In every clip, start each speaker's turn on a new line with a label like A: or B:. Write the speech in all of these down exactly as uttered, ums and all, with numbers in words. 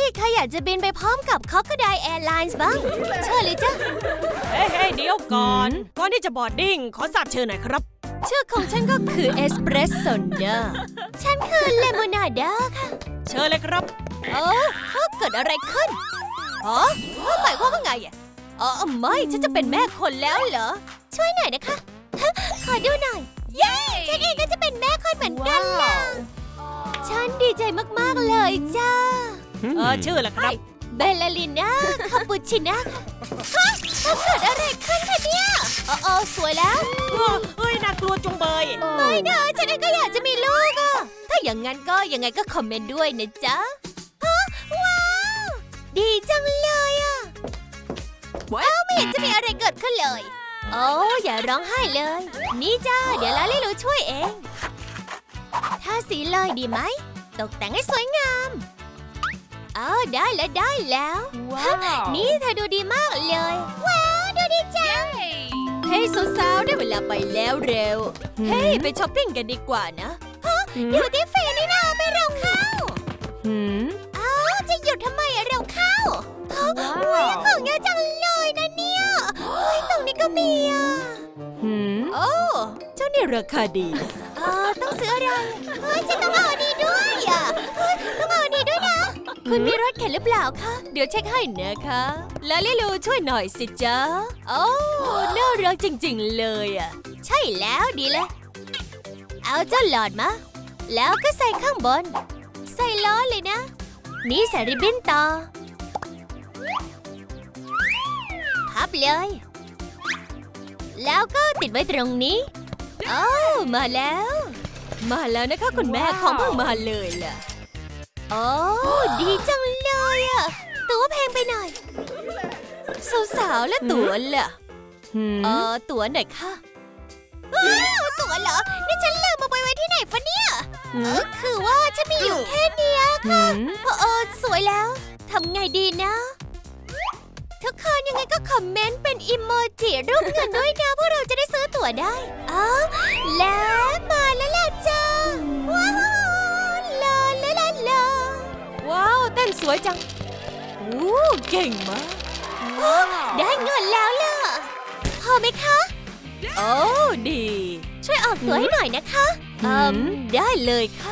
A: ใครอยากจะบินไปพร้อมกับ Crocodile Airlines บ้างเชิญเลยจ้ะ
B: เฮ้ยเฮ้ยเดี๋ยวก่อนก่อนที่จะบอร์ดดิ้งขอทราบชื่อหน่อยครับ
A: ชื่อของฉันก็คือเอสเปรสโซ่นะฉันคือเลมอนาด้าค่ะ
B: เชิญเลยครับ
A: เออเกิดอะไรขึ้นอ๋อหมายความว่าไงอ่ะอ๋อไม่ฉันจะเป็นแม่คนแล้วเหรอช่วยหน่อยนะคะขอดูหน่อยเย้ฉันเองก็จะเป็นแม่คนเหมือนกันล่ะฉันดีใจมากๆเลยจ้า
B: เออชื่อละครับ
A: เบลลาลิน่าคาปูชิน่าค่ะฮะเกิดอะไรขึ้นคะเนี่ยอ๋อสวยแล้ว
B: เฮ้ยน่ากลัวจุงเบย
A: ไม่นะฉันเองก็อยากจะมีลูกอะถ้าอย่างนั้นก็ยังไงก็คอมเมนต์ด้วยนะจ๊ะว้าวดีจังเลยอะว้าวไม่เห็นจะมีอะไรเกิดขึ้นเลยโอ้อย่าร้องไห้เลยนี่จ้าเดี๋ยวลาลิลูช่วยเองทาสีเลยดีไหมตกแต่งให้สวยงามอ๋อได้แล้วได้แล้วว้าวนี่เธอดูดีมากเลยว้าวดูดีจังเฮ้ยสาวๆได้เวลาไปแล้วเร็วเฮ้ยไปช้อปปิ้งกันดีกว่านะฮะอยู่ที่ฟรีนี่นะไปเร็วเข้าอ้าวจะหยุดทำไมอะเร็วเข้าว้าวของเยอะจังเลยนะเนี่ยเฮ้ยตรงนี้ก็มีอ่ะโอ้เจ้านี่ราคาดีเออต้องซื้ออะไรเฮ้ยฉันต้องเอาดีด้วยอ่ะเฮ้ยต้องเอาดีด้วยนะคุณมีรถเข็นหรือเปล่าคะเดี๋ยวเช็คให้นะคะลาลิลูช่วยหน่อยสิจ๊ะโอ้น่ารักจริงๆเลยอ่ะใช่แล้วดีเลยเอาเจ้าหลอดมาแล้วก็ใส่ข้างบนใส่ล้อเลยนะนี่ใส่ริบบิ้นต่อพับเลยแล้วก็ติดไว้ตรงนี้โอ้มาแล้วมาแล้วนะคะคุณแม่ของเพิ่งมาเลยล่ะโอ้ดีจังเลยอะตั๋วแพงไปหน่อยสาวๆและตั๋วล่ะเออตั๋วไหนคะตั๋วเหรอนี่ฉันลืมมาไปไว้ที่ไหนฟะเนี่ยเออคือว่าฉันมีอยู่แค่นี้ค่ะเออสวยแล้วทำไงดีนะทุกคนยังไงก็คอมเมนต์เป็นอิโมจิรูปเงินด้วยนะพวกเราจะได้ซื้อตั๋วได้อ๋อแล้วมาแล้วล่ะจ้าว้าวลาลาลาลาว้าวเต้นสวยจังโอ้เก่งมากได้เงินแล้วล่ะพอไหมคะโอ้ดีช่วยออกตั๋วให้หน่อยนะคะอืมได้เลยค่ะ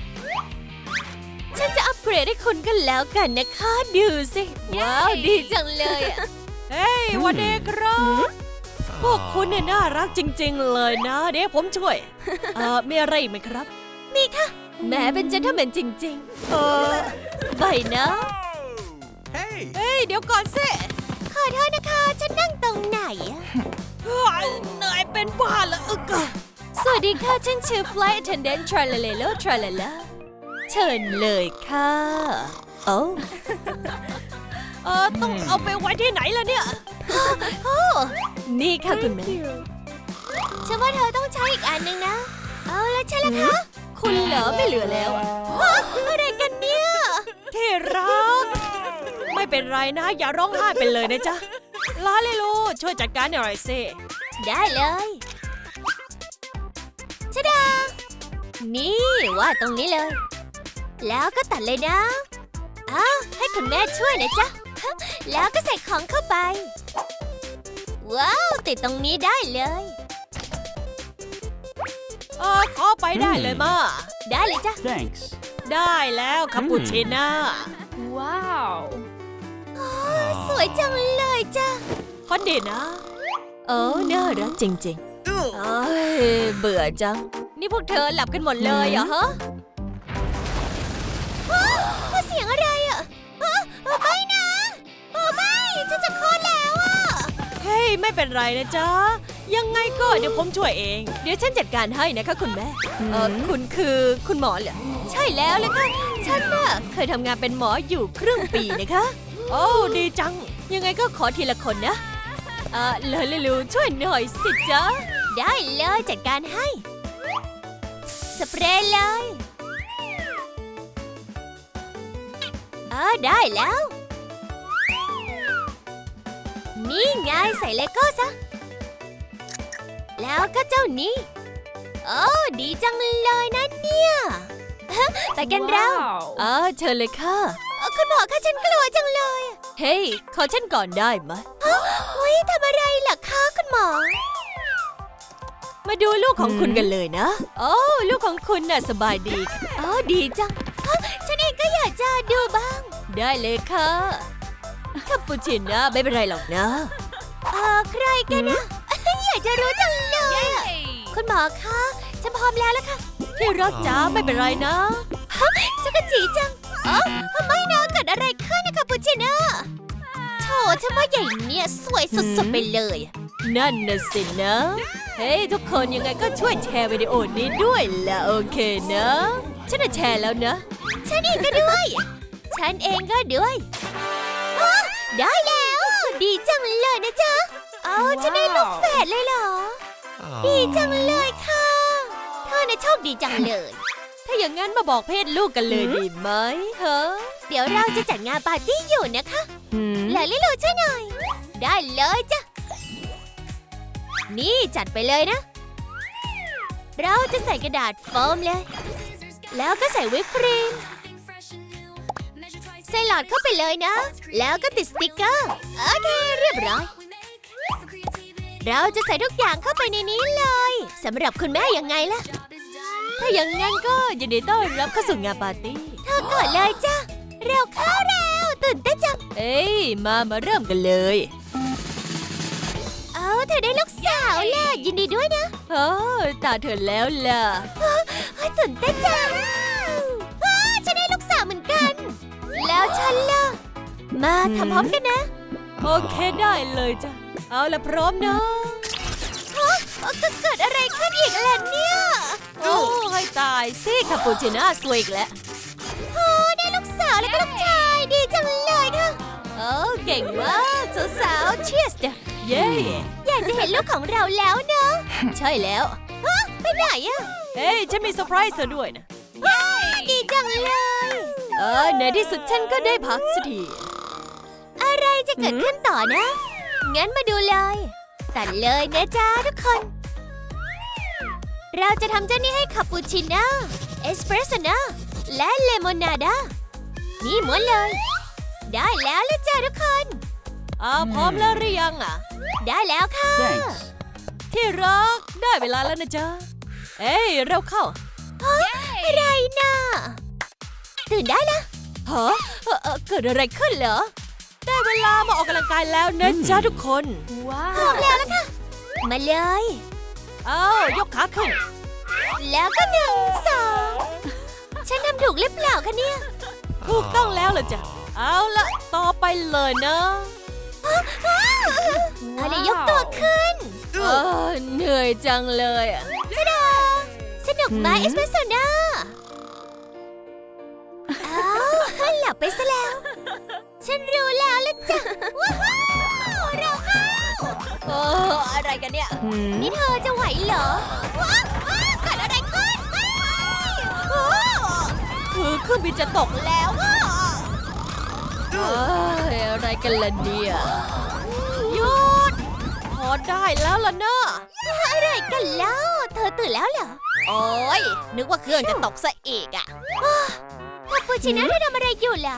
A: ฉันจะอัปเกรดให้คุณกันแล้วกันนะคะดูสิว้าวดีจังเลยอ่ะ
B: เฮ้ยวันเด็กครับพวกคุณเนี่ยน่ารักจริงๆเลยนะเดี๋ยวผมช่วยเอ่อมีอะไรอีกไหมครับ
A: มีค่ะแม่เป็นเจนเทลแมนจริงๆเออใบนะ
B: เฮ้ยเฮ้ยเดี๋ยวก่อนสิ
A: ขอโทษนะคะฉันนั่งตรงไหนอะ
B: เหนื่อยเป็นบ้าละอึก
A: สวัสดีค่ะฉันชื่อ Flight Attendant Tralalelo Tralalaเชิญเลยค่ะโอ้
B: เออต้องเอาไปไว้ที่ไหนล่ะเนี่ย
A: โอ้นี่ค่ะคุณแม่ฉันว่าเธอต้องใช้อีกอันนึงนะเอาแล้วใช่แล้วคะ
B: คุณเหลือไม่เหลือแล้วอะ
A: อะไรกันเนี่ย
B: ที่รักไม่เป็นไรนะอย่าร้องไห้ไปเลยนะจ๊ะลาลิลูช่วยจัดการหน่อยสิ
A: ได้เลยชะดานี่ว่าตรงนี้เลยแล้วก็ตัดเลยนะอ้าวให้คุณแม่ช่วยนะจ๊ะแล้วก็ใส่ของเข้าไปว้าวติดตรงนี้ได้เลย
B: เออขอไปได้เลยมา
A: ได้เลยจ้ะ
C: Thanks
B: ได้แล้วคาปูชิน่า
A: ว้าวสวยจังเลยจ้ะ
B: คอนดีนะ
A: โอ้น่ารักจริงๆเอ้ยเบื่อจังนี่พวกเธอหลับกันหมดเลยเหรอฮะว่าเสียงอะไรอ่ะไม่นะโอ้ไม่ฉันจะคลอดแล้วอ่ะ
B: เฮ้ยไม่เป็นไรนะจ๊ะยังไงก็เดี๋ยวผมช่วยเอง
A: เดี๋ยวฉันจัดการให้นะคะคุณแม่เออคุณคือคุณหมอเหรอใช่แล้วเลยค่ะฉันน่ะเคยทำงานเป็นหมออยู่ครึ่งปีนะคะ
B: โอ้ดีจัง
A: ยังไงก็ขอทีละคนนะเออเลยเลยลูช่วยหน่อยสิจ๊ะได้เลยจัดการให้สเปรย์เลยเออได้แล้วนี่ไงใส่เลโก้ซะแล้วก็เจ้านี้โอ้ดีจังเลยนะเนี่ยไปกันเราเออเชิญเลยค่ะคุณหมอคะฉันนกลัวจังเลย
B: เฮ้ยขอฉันก่อนได้ไหม
A: เฮ้ยทำอะไรล่ะคะคุณหมอ
B: มาดูลูกของคุณกันเลยนะโอ้ลูกของคุณน่ะสบายดี
A: อ๋อดีจังฮะฉันเองก็อยากจะดูบ้าง
B: ได้เลยค่ะคาปูชิโน่ไม่เป็นไรหรอกนะ
A: เออใครกันนะอยากจะรู้จังเลยอะคุณหมอคะฉันพร้อมแล้วละค่ะ
B: ที่รักจ๋าไม่เป็นไรนะ
A: ฮะจักรจีจังอ๋อไม่นะเกิดอะไรขึ้นนะคะปูชิน่าโถฉันว่าใหญ่เนี่ยสวยสุดๆไปเลย
B: นั่นน่ะสินะ เฮ้ยทุกคนยังไงก็ช่วยแชร์วิดีโอนี้ด้วยล่ะโอเคนะ ฉันจะแชร์แล้วนะ
A: ฉันเองก็ด้วย ฉันเองก็ด้วยฮะได้แล้ว ดีจังเลยนะจ๊ะเอาฉันได้ลูกแฝดเลยเหรอ ดีจังเลยค่ะเธอน่ะโชคดีจังเลย
B: ถ้าอย่างนั้นมาบอกเพศลูกกันเลยดีไหมฮะ
A: เดี๋ยวเราจะจัดงานปาร์ตี้อยู่นะคะ
B: หืม
A: แล้วลิโลช่วยหน่อย ได้เลยจ้ะ นี่จัดไปเลยนะ เราจะใส่กระดาษโฟมเลย แล้วก็ใส่วิปครีม ใส่หลอดเข้าไปเลยนะ แล้วก็ติดสติกเกอร์ โอเคเรียบร้อย เราจะใส่ทุกอย่างเข้าไปในนี้เลยสำหรับคุณแม่ยังไงล่ะ
B: ถ้าอย่างนั้นก็ยินดีต้อนรับเข้าสู่งานปาร์ตี้
A: เธอก่อนเลยจ้ะ เร็วเข้าเร็วตื่นเต้นจัง
B: เอ้ยมามาเริ่มกันเลย
A: เอาเธอได้ลูกสาวแล้วยินดีด้วยนะ
B: โอ้ตาเธอแล้วล่ะ
A: เฮ้ยตื่นเต้นจังอ้าฉันได้ลูกสาวเหมือนกัน แล้วฉันล่ะ มาทำพร้อมกันนะ
B: โอเคได้เลยจ้ะเอาละพร้อมนะ
A: ฮะก็เกิดอะไรขึ้นอีกล่ะเนี่ย
B: โอ้ให้ตายสิคาปูชิโน่สวยอีกแล้ว
A: โอ้ได้ลูกสาวแล้วก็ลูกชายดีจังเลยค่ะ
B: โอ้เก่งมากสาวๆเชียสจ้ะเย้
A: อยากจะเห็นลูกของเราแล้วเนอะ
B: ใช่แล้ว
A: ฮะไปไหนอะ
B: เฮ้ยฉันมีเซอร์ไพรส์เธอด้วยนะ
A: ว้าวดีจังเลย
B: เออในที่สุดฉันก็ได้พักสักที
A: อะไรจะเกิดขึ้นต่อนะ งั้นมาดูเลย ตัดเลยนะจ๊ะทุกคน เราจะทำเจ้านี่ให้คาปูชิโน่ เอสเปรสโซ่น่าและเลมอนนาดา นี่ม้วนเลย ได้แล้วละจ้ะทุกคน
B: อ่าพร้อมแล้วหรือยังอ่ะ
A: ได้แล้วค่ะ
C: Thanks.
B: ที่รักได้เวลาแล้วนะจ๊ะเอ้ยเร็วเข้า
A: อะไรนะตื่นได้นะ
B: ฮะเอ่อเอ่อเกิดอะไรขึ้นเหรอ ได้เวลามาออกกำลังกายแล้วนะจ๊ะทุกคน
A: พร้อมแล้วแล้วค่ะ มาเลย
B: เอายกขาขึ้น
A: แล้วก็หนึ่งสองฉันทำถูกหรือเปล่าคะเนี่ย
B: ถูกต้องแล้วเหรอจ๊ะเอาละต่อไปเลยนะ
A: อะไรยกตัวขึ้น
B: เออเหนื่อยจังเลยอะ
A: ชะดาสนุกไหมเอสเปรสโซ่น่าอ้าวหลับไปซะแล้ว ฉันรู้แล้วละจ้ะว้าวเราเข้า
B: เอออะไรกันเนี่ย
A: นี่เธอจะไหวเหรอว้าวว้าวเกิดอะไรขึ้นว้าวว้าว
B: คือเครื่องบินจะตกแล้วอะเอ้ยอะไรกันล่ะเนี่ยหยุดพอได้แล้วล่ะเนอะ
A: อะไรกันเล่าเธอตื่นแล้วเหรอ
B: โอ้ยนึกว่าเครื่องจะตกซะอีกอะ
A: คาปูชิโน่เธอทำอะไรอยู่ล่ะ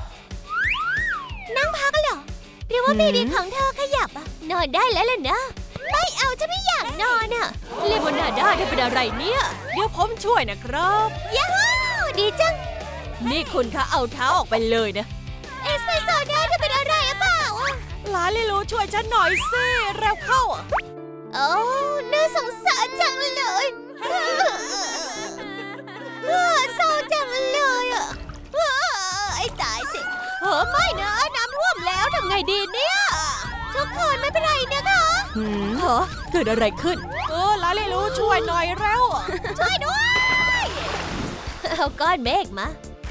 A: นั่งพักเหรอ หรือว่าเบบีของเธอขยับอะนอนได้แล้วล่ะนะ ไม่เอาฉันไม่อยากนอนอะ
B: เลมอนนาด้าได้เป็นอะไรเนี่ย เดี๋ยวผมช่วยนะครับ
A: ย้าวดีจัง
B: นี่คุณคะเอาเท้าออกไปเลยนะ
A: เอสเปรสโซ่น่าจะเป็นอะไรหรือเปล่าอะ
B: หลานลิลูช่วยฉันหน่อยสิเร็วเข้าอะ
A: โอ้น่าสงสารจังเลยเออเศร้าจังเลยอะเออไอ้ตายสิ
B: เฮ้อไม่นะน้ำท่วมแล้วทำไงดีเนี่ย
A: ทุกคนไม่เป็นไรนะคะ
B: หืมเหรอเกิดอะไรขึ้น เออหลานลิลูช่วยหน่อยเร็ว
A: ช่วยด้วย เอาก้อนเมฆมา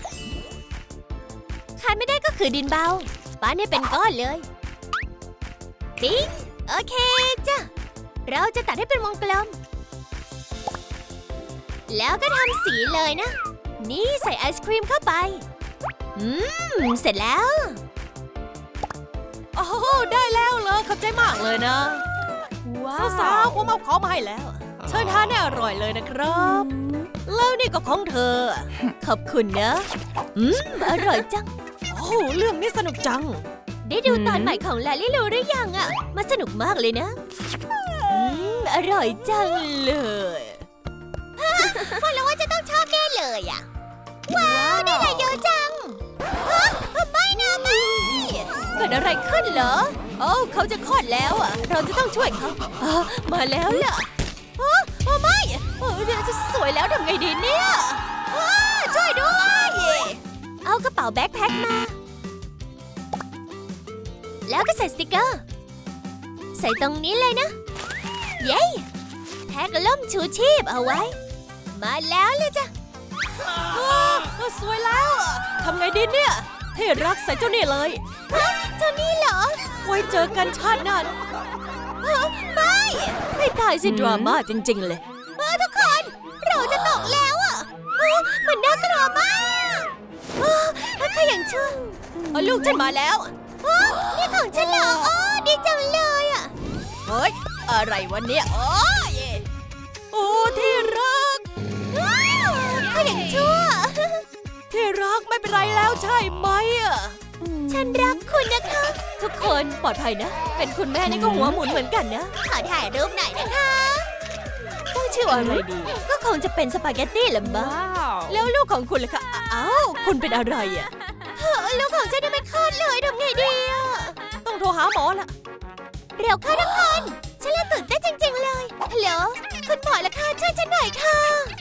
A: ขาดไม่ได้ก็คือดินเบาป้านให้เป็นก้อนเลยปิ๊งโอเคจ้ะ เราจะตัดให้เป็นวงกลม แล้วก็ทำสีเลยนะ นี่ใส่ไอศครีมเข้าไป อืม เสร็จแล้ว
B: โอ้โหได้แล้วเลยขอบใจมากเลยนะสาวๆผมเอาของมาให้แล้ว เชิญทานให้อร่อยเลยนะครับ แล้วนี่ก็ของเธอ ขอบคุณนะ
A: อืม อร่อยจัง
B: โอ้โหเรื่องนี้สนุกจัง
A: ได้ดูตอนใหม่ของลาลิลูหรือยังอะมันสนุกมากเลยนะ อืม อร่อยจังเลยพอรู้ว่าจะต้องชอบแน่เลยอะว้าวได้อะไรเยอะจังฮะไม่นะไม่เกิดอะไรขึ้นเหรอโอ้เขาจะคลอดแล้วอะเราจะต้องช่วยเขาอ๋อมาแล้วล่ะฮะโอ้ไม่โอ้จะสวยแล้วทำไงดีเนี่ยอ้าช่วยด้วยเอากระเป๋าแบ็คแพ็คมา แล้วก็ใส่สติกเกอร์ ใส่ตรงนี้เลยนะ เย้แพ็กล่มชูชีพเอาไว้ มาแล้วเลยจ้ะ
B: อ้าวสวยแล้วอะทำไงดีเนี่ยที่รักใส่เจ้านี่เลย
A: ฮะเจ้านี่เหรอ
B: ไว้เจอกันชาติหน้า
A: ฮะไม่
B: ให้ตายสิดราม่าจริง ๆ เลย
A: เออทุกคน เราจะตกแล้วอ่ะเออมันน่ากลัวมากเออใครอย่างชั่ว
B: เอาลูกฉันมาแล้ว
A: เออนี่ของฉันเหรออ๋อดีจังเลยอ่ะ
B: เฮ้ย อะไรวันเนี้ยโอ้ยโอ้ที่รัก
A: ว้าวใครอย่างชั่ว
B: ที่รักไม่เป็นไรแล้วใช่ไหมอ่ะ
A: ฉันรักคุณนะคะ
B: ทุกคนปลอดภัยนะ เป็นคุณแม่นี่ก็หัวหมุนเหมือนกันนะ
A: ขอถ่ายรูปหน่อยนะคะ
B: ต้องชื่ออะไรดี
A: ก็คงจะเป็นสปาเกตตี้ละมั้ง
B: แล้วลูกของคุณล่ะคะอ้าวคุณเป็นอะไรอ่ะ
A: เฮ้ยลูกของฉันยังไม่คลอดเลยทำไงดีอะ
B: ต้องโทรหาหมอละ
A: เร็วเข้าทุกคน ฉันเริ่มตื่นเต้นจริงๆเลย ฮัลโหล คุณหมอละค่ะช่วยฉันหน่อยค่ะ